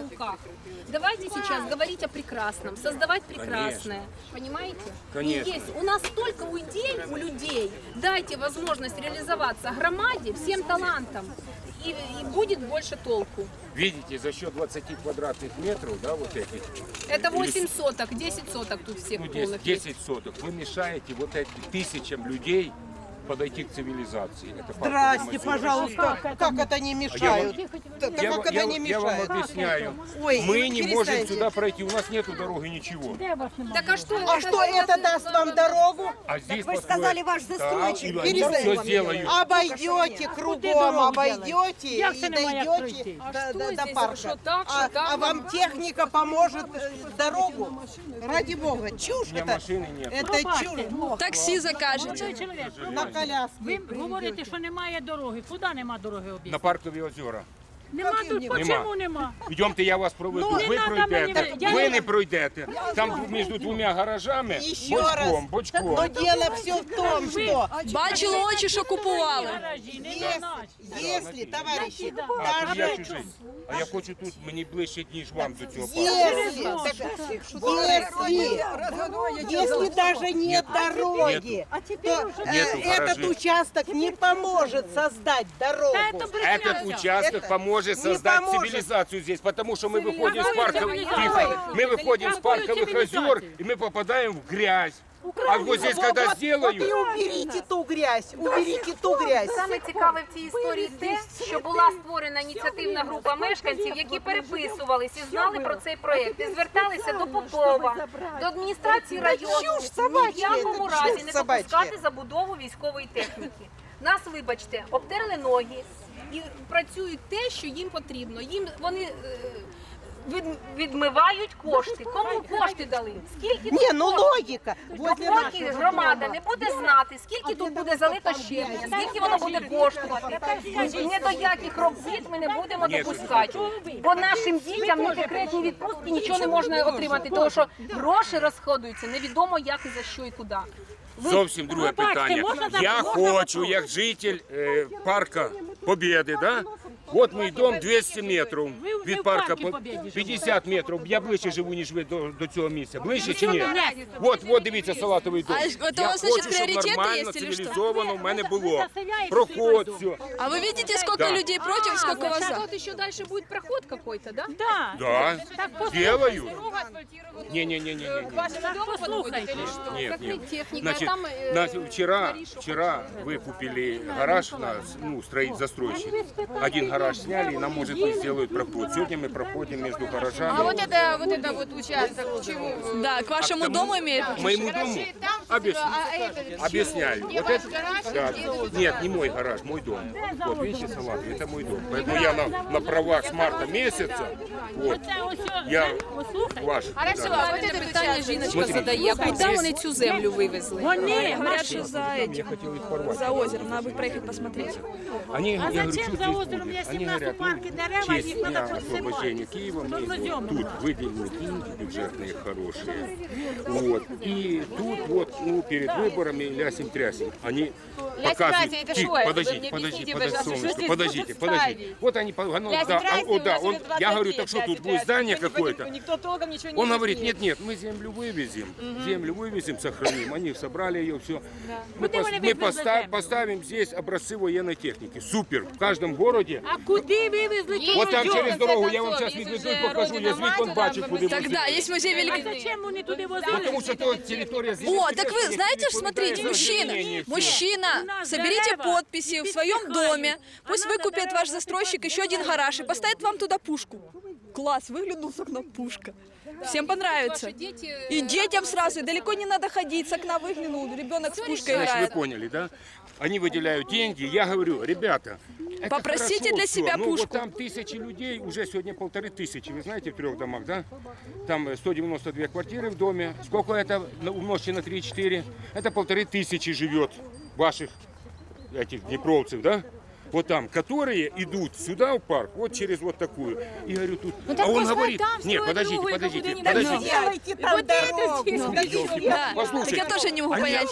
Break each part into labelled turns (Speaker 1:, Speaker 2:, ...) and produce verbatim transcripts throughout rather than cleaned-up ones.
Speaker 1: руках. Давайте сейчас говорить о прекрасном, создавать прекрасное. Конечно. Понимаете?
Speaker 2: Конечно.
Speaker 1: И есть у нас столько идей у людей. Дайте возможность реализоваться громаде, всем талантам. И, и будет больше толку.
Speaker 2: Видите, за счет двадцати квадратных метров, да, вот этих.
Speaker 1: Это восемь соток, десять соток тут всех
Speaker 2: Ну,
Speaker 1: полных.
Speaker 2: десять соток. Вы мешаете вот этим тысячам людей подойти к цивилизации. Это
Speaker 3: Здрасте, пожалуйста. Как, как это не мешают? Да,
Speaker 2: Я,
Speaker 3: как это
Speaker 2: я,
Speaker 3: не
Speaker 2: я вам
Speaker 3: мешает?
Speaker 2: объясняю.
Speaker 3: Ой,
Speaker 2: Мы не можем
Speaker 3: перестаньте.
Speaker 2: сюда пройти, у нас нету дороги, ничего.
Speaker 1: Так а что,
Speaker 3: А что это даст вам дорогу?
Speaker 2: А здесь
Speaker 4: Вы сказали, ваш застройщик.
Speaker 2: Да,
Speaker 3: Перестаньте.
Speaker 2: все сделают.
Speaker 3: Обойдете кругом, обойдете
Speaker 5: Як
Speaker 3: и
Speaker 5: це немає як
Speaker 3: дойдете
Speaker 5: пройти?
Speaker 1: А
Speaker 3: до,
Speaker 1: что
Speaker 3: до, до
Speaker 1: здесь?
Speaker 3: парка.
Speaker 1: Что так,
Speaker 3: а,
Speaker 1: что так?
Speaker 3: а вам техника поможет э, дорогу? Ради бога, чушь
Speaker 2: У меня
Speaker 3: это.
Speaker 2: машины нет.
Speaker 3: Это чушь.
Speaker 6: Таксі закажете.
Speaker 5: Чоловік,
Speaker 3: На коляске.
Speaker 5: ви говорите, що немає дороги. Куди нема дороги
Speaker 2: На
Speaker 5: об'їзду?
Speaker 2: паркові озера.
Speaker 5: Нема тут,
Speaker 3: Нема.
Speaker 5: чому нема?
Speaker 2: Йдемте, я вас проведу.
Speaker 5: Ну, не
Speaker 2: ви
Speaker 5: надо
Speaker 2: пройдете,
Speaker 5: мені, я
Speaker 2: ви
Speaker 5: не-
Speaker 2: не пройдете. Там між двома гаражами
Speaker 3: Еще
Speaker 2: бочком,
Speaker 3: раз.
Speaker 2: бочком.
Speaker 3: Но дело все в том, что
Speaker 6: Бачили очі, що купували.
Speaker 5: Гаражі, не
Speaker 3: если,
Speaker 5: наші.
Speaker 3: если, товарищи,
Speaker 2: А, тут я
Speaker 3: даже
Speaker 2: чужий. А я хочу тут, мені ближче, ніж вам до цього парку.
Speaker 3: если, так, если, если даже нет дороги, то э,
Speaker 2: Нету
Speaker 3: этот
Speaker 2: гаражей.
Speaker 3: участок не поможет создать дорогу.
Speaker 2: Этот участок
Speaker 3: Это
Speaker 2: поможет
Speaker 3: не
Speaker 2: создать
Speaker 3: поможет.
Speaker 2: цивилизацию здесь, потому что мы выходим с парковых,
Speaker 5: цивилизацию.
Speaker 2: тихо, мы выходим с
Speaker 5: Какую
Speaker 2: парковых озер
Speaker 5: цивилизацию?
Speaker 2: и мы попадаем в грязь. А вот здесь, когда
Speaker 3: Вот- вот и
Speaker 2: сделают,
Speaker 3: уберите ту грязь, уберите ту грязь.
Speaker 1: Саме цікаве в цій історії те, що була створена ініціативна група мешканців, які переписувались і знали про цей проєкт. І зверталися до Попова, до адміністрації району,
Speaker 3: чушь собачья,
Speaker 1: ні в якому
Speaker 3: это
Speaker 1: разі
Speaker 3: чушь
Speaker 1: не
Speaker 3: собачья.
Speaker 1: допускати забудову військової техніки. Нас, вибачте, обтерли ноги і працюють те, що їм потрібно. Їм вони е, від, відмивають кошти. Кому кошти дали? Скільки
Speaker 3: Не, ну логика. Возле
Speaker 1: Поки
Speaker 3: нашего
Speaker 1: громада
Speaker 3: дома.
Speaker 1: не буде знати, скільки тут буде залито щебня, скільки воно буде коштувати, ні до яких робіт ми не будемо
Speaker 2: Ні,
Speaker 1: допускати. Бо нашим дітям ні декретні відпустки нічого не можна отримати, тому що гроші розходуються невідомо як і за що і куди.
Speaker 2: зовсім друге
Speaker 5: Пробачте,
Speaker 2: питання.
Speaker 5: можна за-
Speaker 2: Я
Speaker 5: можна
Speaker 2: хочу,
Speaker 5: вопрос?
Speaker 2: як житель е, парка Побєди, да? От мій дом двісті метрів
Speaker 5: Ви- ви
Speaker 2: від
Speaker 5: в
Speaker 2: парка,
Speaker 5: парку
Speaker 2: по-
Speaker 5: Побєди живете.
Speaker 2: п'ятдесят метрів. Я ближче живу, ніж ви до, до цього місця. Ближче чи ні? От, от дивіться, салатовий дом.
Speaker 6: А это у
Speaker 2: Я
Speaker 6: вас, значит,
Speaker 2: хочу, щоб
Speaker 6: приоритеты
Speaker 2: нормально,
Speaker 6: есть или что?
Speaker 2: цивілізовано в мене було.
Speaker 5: заселяєте
Speaker 2: Проход,
Speaker 5: свій
Speaker 2: все.
Speaker 6: А вы видите, сколько
Speaker 2: Да.
Speaker 6: людей против, сколько вас за?
Speaker 1: Тут еще дальше будет проход какой-то, да?
Speaker 5: Да.
Speaker 2: Да,
Speaker 5: послухайте.
Speaker 2: делаю. Не-не-не-не.
Speaker 1: Вашему дому
Speaker 5: послушайте.
Speaker 1: подходит или что?
Speaker 2: Нет,
Speaker 1: Как
Speaker 2: нет.
Speaker 1: техника,
Speaker 2: Значит,
Speaker 1: а там э,
Speaker 2: на- вчера,
Speaker 1: корешок.
Speaker 2: вчера вы купили гараж на, ну, строить застройщик. Один гараж сняли, и нам, может быть, сделают проход. Сегодня мы проходим между гаражами.
Speaker 7: А вот это, вот это вот участок, чего?
Speaker 6: Да, к вашему
Speaker 2: К тому-
Speaker 6: дому имеет?
Speaker 2: К моему дому? Объясню.
Speaker 7: А это
Speaker 2: Объясняю. Вот это, да, нет, не мой гараж, мой дом. Вот, видите, салат, это мой дом. Поэтому я на, на правах с марта месяца, вот,
Speaker 5: Оце ось,
Speaker 2: я
Speaker 5: послухайте.
Speaker 2: ваш.
Speaker 7: Хорошо,
Speaker 2: да.
Speaker 7: а вот этот
Speaker 1: Питання
Speaker 7: участок.
Speaker 1: жіночка
Speaker 2: Смотрите.
Speaker 1: задає, а куди вони цю землю вивезли?
Speaker 5: Вони,
Speaker 6: Говорят, что за
Speaker 2: Я
Speaker 6: этим,
Speaker 2: хотел их порвать.
Speaker 6: за озером. Надо будет проехать посмотреть.
Speaker 2: Они,
Speaker 5: А
Speaker 2: я говорю,
Speaker 5: зачем
Speaker 2: что
Speaker 5: за
Speaker 2: здесь
Speaker 5: озером,
Speaker 2: будет?
Speaker 5: если
Speaker 2: Они
Speaker 5: у нас
Speaker 2: говорят,
Speaker 5: у парке
Speaker 2: ну,
Speaker 5: дерева,
Speaker 2: честь
Speaker 5: их надо
Speaker 2: дня
Speaker 5: подсыпать.
Speaker 2: освобождения Киева, мы
Speaker 5: Черноземом
Speaker 2: тут
Speaker 5: надо.
Speaker 2: выделены деньги бюджетные хорошие. Вот. И тут вот, ну, перед выборами лясим-трясим. Они показывают...
Speaker 7: это
Speaker 2: Тихо,
Speaker 7: что?
Speaker 2: подождите,
Speaker 7: Вы мне
Speaker 2: подождите,
Speaker 7: объясните,
Speaker 2: подождите,
Speaker 7: пожалуйста,
Speaker 2: солнышко,
Speaker 7: что
Speaker 2: подождите,
Speaker 7: здесь
Speaker 2: подождите.
Speaker 7: ставить?
Speaker 2: Вот они, ну, да,
Speaker 7: Лясим-трясим,
Speaker 2: а, о, да,
Speaker 7: у нас
Speaker 2: он,
Speaker 7: уже
Speaker 2: я говорю,
Speaker 7: двадцать
Speaker 2: так что
Speaker 7: лет
Speaker 2: тут будет
Speaker 7: лясим-трясим.
Speaker 2: здание
Speaker 7: Никто не
Speaker 2: какое-то.
Speaker 7: пони- Никто толком ничего не
Speaker 2: Он говорит,
Speaker 7: объяснит.
Speaker 2: нет, нет, мы землю вывезем, землю вывезем, сохраним. Они собрали ее, все. Мы,
Speaker 5: Куда
Speaker 2: пос-
Speaker 5: они
Speaker 2: мы
Speaker 5: вывезли
Speaker 2: поста-
Speaker 5: землю?
Speaker 2: поставим здесь образцы военной техники. Супер. В каждом городе.
Speaker 5: А куди вивезли цю
Speaker 2: Вот там
Speaker 5: родину?
Speaker 2: через дорогу, я вам
Speaker 7: концов,
Speaker 2: сейчас
Speaker 7: если
Speaker 2: веду
Speaker 7: уже
Speaker 2: и покажу, я
Speaker 7: родина
Speaker 2: звук
Speaker 7: мать,
Speaker 2: он бачу,
Speaker 7: да,
Speaker 2: куда
Speaker 6: Тогда есть музей
Speaker 5: А
Speaker 6: Великой...
Speaker 5: зачем вони туди возили?
Speaker 2: Потому что то территория
Speaker 6: О, так вы знаете, ж, смотрите, мужчина, мужчина, соберите подписи в своем доме, пусть выкупит ваш застройщик еще один гараж и поставит вам туда пушку. Класс, выглянул с окна пушка. Всем понравится.
Speaker 1: Ваши дети...
Speaker 6: И детям сразу, и далеко не надо ходить, с окна выглянул, ребенок с пушкой
Speaker 2: Значит, вы
Speaker 6: играет.
Speaker 2: поняли, да? Они выделяют деньги. Я говорю, ребята, это
Speaker 6: Попросите
Speaker 2: хорошо
Speaker 6: для
Speaker 2: всё.
Speaker 6: себя
Speaker 2: ну,
Speaker 6: пушку.
Speaker 2: Вот там тысячи людей, уже сегодня полторы тысячи, вы знаете, в трех домах, да? Там сто девяносто две квартиры в доме. Сколько это на- умножьте на три-четыре? Это полторы тысячи живет ваших этих днепровцев, да? Вот там, которые идут сюда в парк, вот через вот такую. И говорю, тут...
Speaker 7: Ну, так
Speaker 2: а он
Speaker 7: пускай
Speaker 2: говорит,
Speaker 7: там
Speaker 2: нет,
Speaker 7: строят
Speaker 2: подождите,
Speaker 7: другую,
Speaker 2: подождите,
Speaker 7: куда-нибудь.
Speaker 2: подождите.
Speaker 3: Делайте там дорогу.
Speaker 6: Да, так
Speaker 2: Послушайте,
Speaker 6: я тоже не могу
Speaker 2: они-
Speaker 6: понять.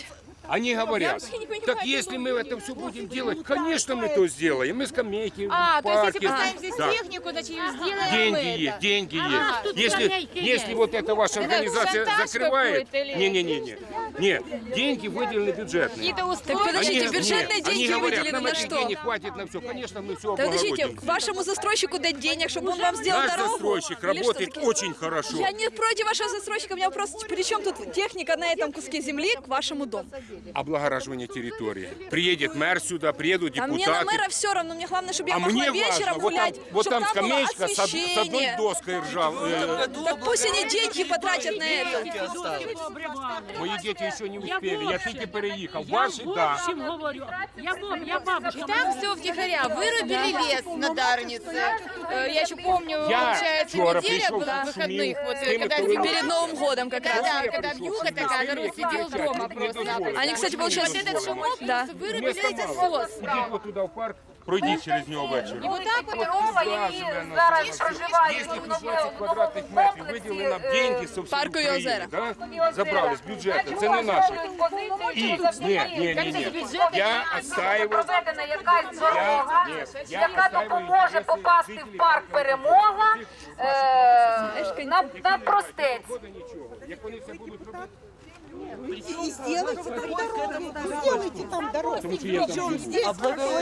Speaker 2: Они говорят,
Speaker 6: вообще не понимаю,
Speaker 2: так
Speaker 6: как
Speaker 2: если мы это все будем делать, конечно, мы то сделаем. Мы скамейки,
Speaker 7: А, то есть если
Speaker 2: парки.
Speaker 7: поставим здесь
Speaker 2: Да.
Speaker 7: технику, значит сделаем
Speaker 2: Деньги
Speaker 7: мы
Speaker 2: есть,
Speaker 7: это.
Speaker 2: деньги
Speaker 5: А, тут
Speaker 2: есть. Если,
Speaker 5: скамейки
Speaker 2: если
Speaker 5: есть.
Speaker 2: вот эта ваша
Speaker 7: Это
Speaker 2: организация
Speaker 7: шантаж
Speaker 2: закрывает,
Speaker 7: какой-то или-
Speaker 2: не-не-не, нет, деньги выделены бюджетные.
Speaker 7: Какие-то
Speaker 6: Так
Speaker 7: условия.
Speaker 6: подождите,
Speaker 2: Они-
Speaker 6: бюджетные
Speaker 2: нет,
Speaker 6: деньги
Speaker 2: они говорят,
Speaker 6: выделены
Speaker 2: нам
Speaker 6: на
Speaker 2: этих
Speaker 6: что?
Speaker 2: денег хватит на все. Конечно, мы все
Speaker 6: Да подождите,
Speaker 2: облагородим.
Speaker 6: к вашему застройщику дать денег, чтобы он вам сделал
Speaker 2: Наш
Speaker 6: дорогу?
Speaker 2: застройщик
Speaker 6: Или что
Speaker 2: работает
Speaker 6: такое?
Speaker 2: очень хорошо.
Speaker 6: Я не против вашего застройщика, у меня вопрос, при чем тут техника на этом куске земли к вашему дому?
Speaker 2: Облагораживание территории. Приедет мэр сюда, приедут
Speaker 6: А мне на
Speaker 2: депутаты.
Speaker 6: мэра все равно, мне главное, чтобы я
Speaker 2: А
Speaker 6: могла
Speaker 2: мне
Speaker 6: вечером
Speaker 2: важно, вот там,
Speaker 6: гулять,
Speaker 2: вот
Speaker 6: чтобы
Speaker 2: там
Speaker 6: там было
Speaker 2: скамеечка с, од- с одной
Speaker 6: освещение.
Speaker 2: доской ржавой.
Speaker 6: Так пусть они деньги потратят на это.
Speaker 2: Мої діти ще не
Speaker 5: Я
Speaker 2: успели, я
Speaker 5: в
Speaker 2: тільки
Speaker 5: общем-
Speaker 2: переїхав.
Speaker 5: Я
Speaker 2: Ваші,
Speaker 5: в
Speaker 2: да.
Speaker 5: общем говорю. Я, баб- я бабушка.
Speaker 7: И там все втихаря. Вырубили лес на Дарнице. Э, Я еще помню,
Speaker 2: Я
Speaker 7: получается,
Speaker 2: вчера
Speaker 7: неделя
Speaker 2: пришел,
Speaker 7: была
Speaker 2: шумел
Speaker 7: выходных. Вот,
Speaker 2: с теми,
Speaker 7: когда
Speaker 2: кто
Speaker 7: зима-
Speaker 6: Перед Новым годом как раз.
Speaker 7: Да, когда вьюга такая, народ сидел дома просто.
Speaker 6: Они, кстати, получается...
Speaker 7: Вот этот шумок
Speaker 6: Да.
Speaker 7: вырубили
Speaker 2: Места
Speaker 7: этот
Speaker 2: мало.
Speaker 7: сос.
Speaker 2: Ідіть от туди в парк, пройдіть через нього ввечері.
Speaker 7: И вот так вот
Speaker 1: Мова, які зараз проживають
Speaker 2: Якщо
Speaker 1: в
Speaker 2: двадцять
Speaker 1: новому
Speaker 2: квадратних
Speaker 1: новому
Speaker 2: метрів
Speaker 1: комплексі,
Speaker 2: виділили нам
Speaker 1: е,
Speaker 2: деньги со всієї
Speaker 6: Парку і
Speaker 2: України,
Speaker 6: озера.
Speaker 2: да? забрали з бюджету, це не наші. І, ні, ні, ні, ні, я отстаиваю,
Speaker 1: проведена якась дорога,
Speaker 2: ні, я
Speaker 1: яка
Speaker 2: отстаиваю
Speaker 1: допоможе
Speaker 2: інтереси
Speaker 1: попасти в
Speaker 2: жителів
Speaker 1: парк Перемога е, на, на простець.
Speaker 2: Шкода нічого. Як вони це будуть робити,
Speaker 3: И сделайте там дорогу. Сделайте там дорогу.
Speaker 2: тому що я там
Speaker 3: Причем здесь